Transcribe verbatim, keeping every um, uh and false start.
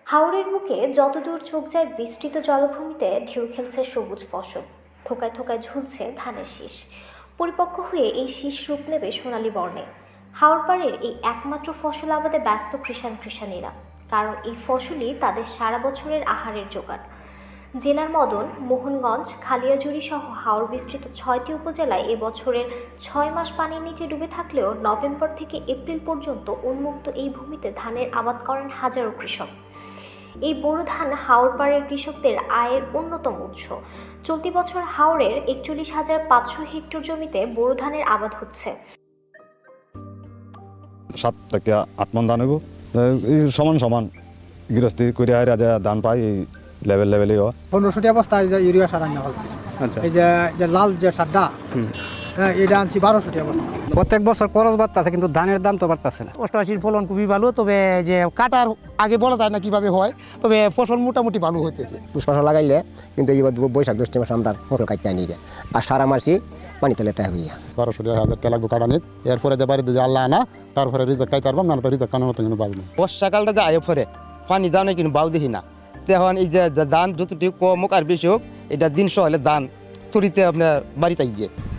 হাওরের বুকে যতদূর চোখ যায় বিস্তৃত জলভূমিতে ঢেউ খেলছে সবুজ ফসল। থোকায় থোকায় ঝুলছে ধানের শীষ। পরিপক্ক হয়ে এই শীষ রূপ নেবে সোনালী বর্ণে। হাওর পাড়ের এই একমাত্র ফসল আবাদে ব্যস্ত কৃষাণ কৃষাণীরা, কারণ এই ফসলই তাদের সারা বছরের আহারের জোগান। জেলার মদন, মোহনগঞ্জ, খালিয়াজুড়ি সহ হাওর বিস্তৃত ছয়টি উপজেলায় এবছরের ছয় মাস পানির নিচে ডুবে থাকলেও নভেম্বর থেকে এপ্রিল পর্যন্ত উন্মুক্ত এই ভূমিতে ধানের আবাদ করেন হাজারো কৃষক। এই বোরো ধান হাওর পাড়ের কৃষকদের আয়ের অন্যতম উৎস। চলতি বছর হাওরের একচল্লিশ হাজার পাঁচশো হেক্টর জমিতে বোরো ধানের আবাদ হচ্ছে। সাত থেকে আট মন ধান হইব, সমান সমান গৃহস্থী করে ধান পাই এই লেভেল লেভেলই হয়। পনেরোশোটি অবস্থা ইউরিয়া সার আনা হচ্ছে। এই যে যে লাল যে সারটা, হ্যাঁ এটা আনছি বারোশোটি অবস্থা। প্রত্যেক বছর খরচ বাড়তেছে, কিন্তু ধানের দাম তো বাড়তেছে না। অষ্টআশির ফলন খুবই ভালো, তবে যে কাটার আগে বলা যায় না কিভাবে হয়, তবে ফসল মোটামুটি ভালো হইতেছে। ফসল লাগাইলে কিন্তু এই বৈশাখ জ্যৈষ্ঠ মাসে আমরা ফসল কাটতে নিয়ে যায়, আর সারা মাসই পানিতে লেতে হবে। বারোশো হাজার টাকা লাগবে কাটা নিত, এরপরে যে বাড়িতে যে আল্লাহ আনা, তারপরে রিজার্ভ খাইতে পারবাম না, তো রিজার্ভ কানোর মতো কিন্তু পাবো। বর্ষাকালটা যে আয় পরে পানি যাও না কিন্তু বাউ দেখি না, তখন এই যে ধান যতটুকু কম হোক আর বেশি হোক, এটা দিন সহ হলে ধান তুরিতে আপনার বাড়িতে গিয়ে